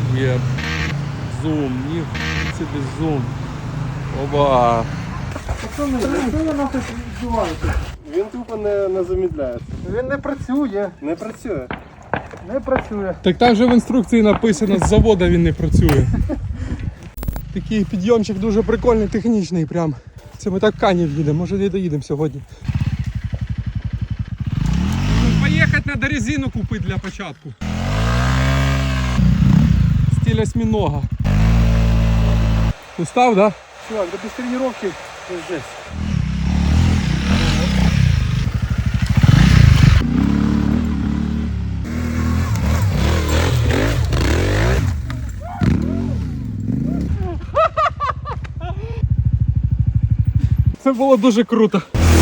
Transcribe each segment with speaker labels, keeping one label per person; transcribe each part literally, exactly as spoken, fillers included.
Speaker 1: Є. Зум, ні, собі зум. Оба.
Speaker 2: Пацани, що ви нахуй відбуваєте?
Speaker 3: Він тупо не, не замідляється.
Speaker 2: Він не працює.
Speaker 3: Не працює.
Speaker 2: Не працює.
Speaker 1: Так там же в інструкції написано, з заводу він не працює. Такий підйомчик дуже прикольний, технічний прям. Це ми так в Канів їдемо, може не доїдемо сьогодні. Ну, поїхати треба резину купити для початку. Стиль осьминога. Устав, да?
Speaker 2: Чувак, да без тренировки здесь.
Speaker 1: Це було дуже круто.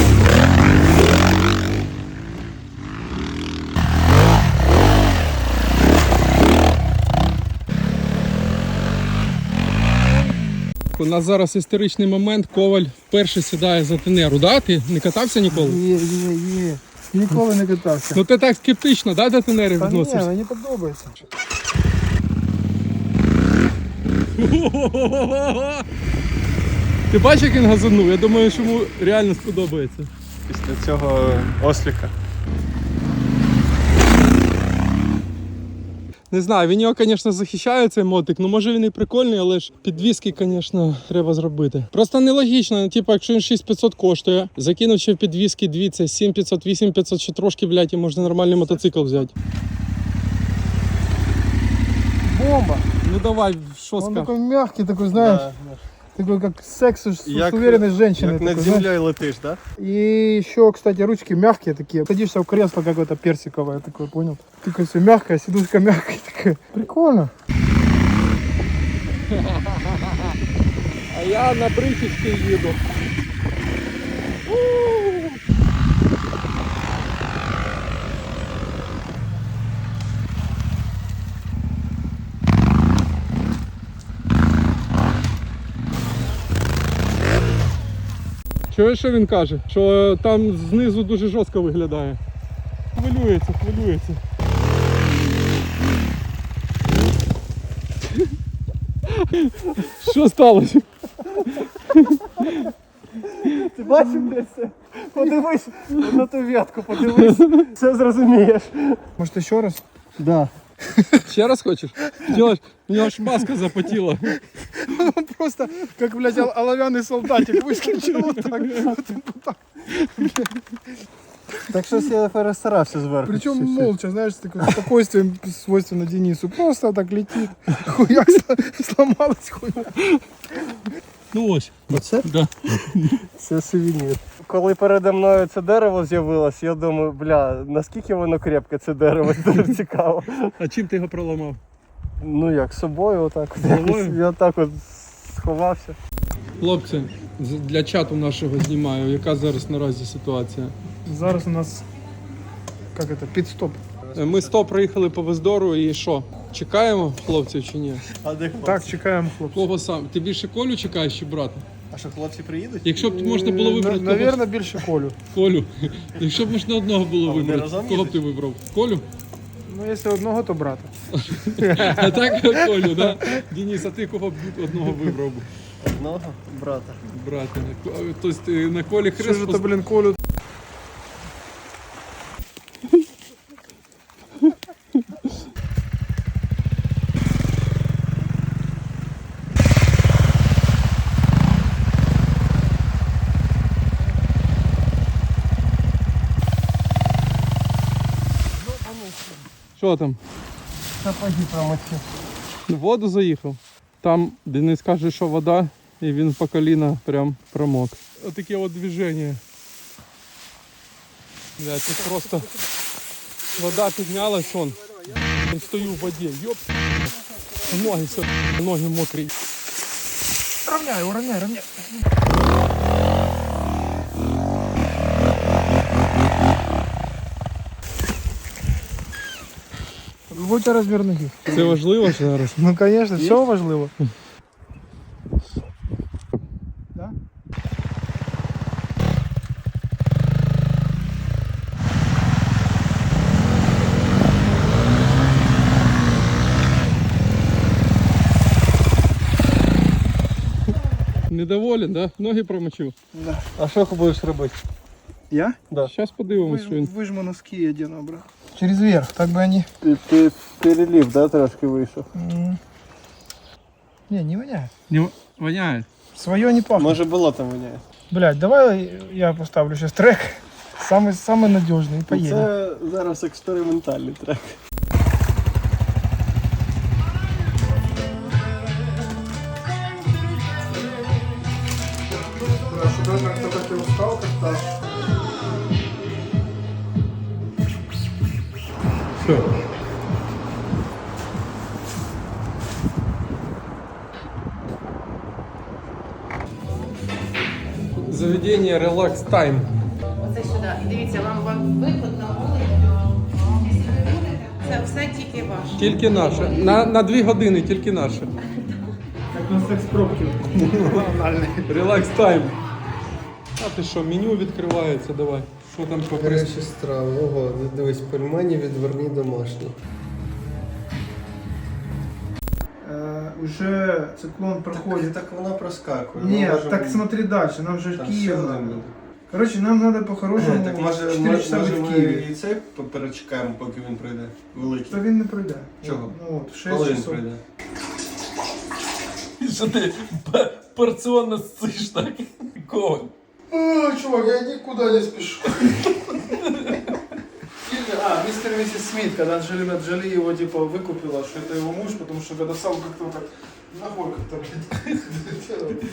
Speaker 1: У нас зараз історичний момент, Коваль вперше сідає за тенеру, да? Ти не катався ніколи?
Speaker 2: Є, є, є. Ніколи не катався.
Speaker 1: Ну ти так скептично, да, до тенери
Speaker 2: Та ні,
Speaker 1: відносишся?
Speaker 2: мені подобається.
Speaker 1: Ти бачиш, як він газанув? Я думаю, що йому реально сподобається.
Speaker 3: Після цього осліка.
Speaker 1: Не знаю, він його, звісно, захищає цей мотик, ну може він і прикольний, але ж підвіски, звісно, треба зробити. Просто нелогічно, типу, якщо він шість п'ятсот коштує, закинув ще в підвіски дві, це сім п'ятсот, вісім п'ятсот, ще трошки, блядь, і можна нормальний мотоцикл взяти.
Speaker 2: Бомба.
Speaker 1: Ну давай, що
Speaker 2: Он
Speaker 1: скажеш?
Speaker 2: такой мягкий, такой, знаешь,
Speaker 3: Да.
Speaker 2: такой как секс с,
Speaker 3: Як-
Speaker 2: с уверенной женщиной.
Speaker 3: Як над
Speaker 2: такой, знаешь.
Speaker 3: землею летиш, так? Да?
Speaker 2: И еще, кстати, ручки мягкие такие. Садишься в кресло какое-то персиковое такое, понял? Такое все мягкое, сидушка мягкая такая. Прикольно.
Speaker 1: А я на бричечці їду. Чуєш, що він каже? Що там знизу дуже жорстко виглядає. Хвилюється, хвилюється. Що сталося?
Speaker 2: Ти бачив де це? Подивись на ту ветку, подивись. Все зрозумієш. Може ще раз? Да.
Speaker 1: Ще раз хочеш? Ділаш? У нього ж маска запотіла.
Speaker 2: Он просто, как, блядь, ол- оловянный солдатик выскочил вот так. Вот так.
Speaker 3: Так щось я перестарався зверху.
Speaker 2: Причем молча, знаешь, с таким спокойствием, свойственно Денису. Просто так летит. Хуяк сло- сломалась хуя.
Speaker 1: Ну ось.
Speaker 3: Оце?
Speaker 1: Да.
Speaker 3: Це сувенір. Коли передо мною це дерево з'явилось, я думаю, бля, наскільки воно крепке, це дерево, дуже цікаво.
Speaker 1: А чим ти його проламав?
Speaker 3: Ну як, собою отак.
Speaker 1: Собою?
Speaker 3: Я так от сховався.
Speaker 1: Хлопці, з- для чату нашого знімаю, яка зараз наразі ситуація.
Speaker 2: Зараз у нас, как это, пит-стоп.
Speaker 1: Ми сто приїхали по Вездору і що? Чекаємо хлопців чи ні?
Speaker 3: А де хлопці?
Speaker 2: Так, чекаємо хлопців.
Speaker 1: Кого сам? Ти більше Колю чекаєш чи брата?
Speaker 3: А що, хлопці приїдуть?
Speaker 1: Якщо б можна було вибрати кого?
Speaker 2: Наверное, більше Колю.
Speaker 1: Колю. Якщо б можна одного було
Speaker 3: А вони
Speaker 1: вибрати,
Speaker 3: разом
Speaker 1: кого б
Speaker 3: їдуть?
Speaker 1: ти вибрав? Колю?
Speaker 2: Ну, якщо одного, то брата.
Speaker 1: А так Колю, да? Денис, а ти кого б одного вибрав? би?
Speaker 3: Одного брата.
Speaker 1: Брата. Тобто ти на Колі
Speaker 2: Що
Speaker 1: хрест
Speaker 2: ж
Speaker 1: пос-
Speaker 2: то, блін, Колю?
Speaker 1: Що там?
Speaker 3: Сапоги промочив.
Speaker 1: В воду заїхав. Там Денис каже, що вода, і він по коліна прям промок. Отаке от движення. Бля, тут просто вода піднялась, он. Я стою в воді. Йоп. Ноги, все, ноги мокрі.
Speaker 2: Равняй, уравняй, равняй. Какой у тебя размер ноги?
Speaker 1: Це важливо зараз.
Speaker 2: Ну, конечно, все важливо. Да?
Speaker 1: Недоволен, да? Ноги промочив.
Speaker 2: Да.
Speaker 3: А що ти будеш робити?
Speaker 2: Я?
Speaker 3: Да.
Speaker 1: Зараз подивимось, що він.
Speaker 2: Выжму носки и одену обратно. Через верх, так бы они...
Speaker 3: Ти, ти перелив, да, трошки вийшов?
Speaker 2: Не, не воняет.
Speaker 1: Не воняє.
Speaker 2: Свое не пахнет.
Speaker 3: Може болотом воняє.
Speaker 2: Блять, давай я поставлю сейчас трек. Самый, самый надежный. И поедем.
Speaker 3: Це зараз експериментальний трек.
Speaker 2: Даже кто-то ты устал как-то.
Speaker 1: Все. Заведення Relax Time.
Speaker 4: Оце сюди. І дивіться, вам вам виход на вулицю. Це все тільки ваше.
Speaker 1: Тільки наше. На, на дві години тільки наше.
Speaker 2: Как на секс-пробке.
Speaker 1: Relax Time. А ти що, меню відкривається, давай. Що там по прис...
Speaker 3: Гарячі страви. Ого, дивись, пельмені відверні домашні.
Speaker 2: Э, уже циклон проходит.
Speaker 3: Так вона проскакує.
Speaker 2: Нет, так смотри дальше, нам же
Speaker 3: Там
Speaker 2: Киев
Speaker 3: ще
Speaker 2: надо.
Speaker 3: один буде.
Speaker 2: Короче, нам надо по-хорошему
Speaker 3: Так може,
Speaker 2: четыре
Speaker 3: може,
Speaker 2: часа
Speaker 3: може
Speaker 2: быть в
Speaker 3: ми
Speaker 2: Киеве.
Speaker 3: і це перечекаємо, поки він прийде. Великий.
Speaker 2: То він не пройде.
Speaker 3: Чого?
Speaker 2: Ну от, в шесть
Speaker 3: Коли він
Speaker 2: часов.
Speaker 3: прийде?
Speaker 1: Що ти порціонно ссиш так? Коваль.
Speaker 2: О, чувак, я никуда не спешу. А, мистер и миссис Смит, когда Анджелина Джоли его типа выкупила, что это его муж, потому что когда сам как-то так ногой как-то блядь.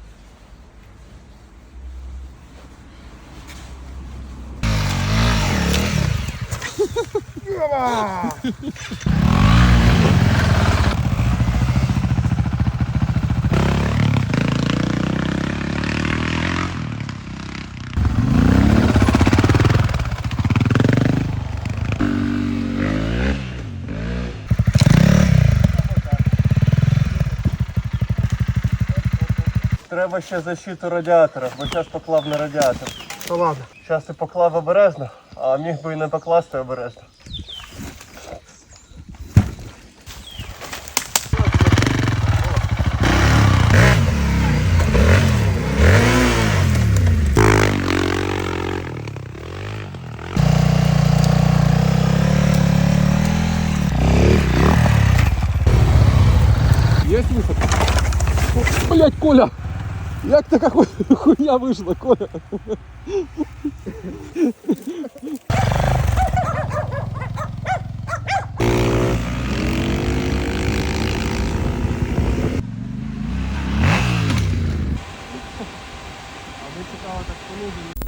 Speaker 3: Треба ще защиту радіатора, бо зараз поклав на радіатор.
Speaker 2: Да ладно.
Speaker 3: Зараз і поклав обережно, а міг би і не покласти обережно.
Speaker 1: Є виход? О, блядь, Коля! Як така ху- хуйня вийшла, Коля?
Speaker 2: А ви цікаво так полудені.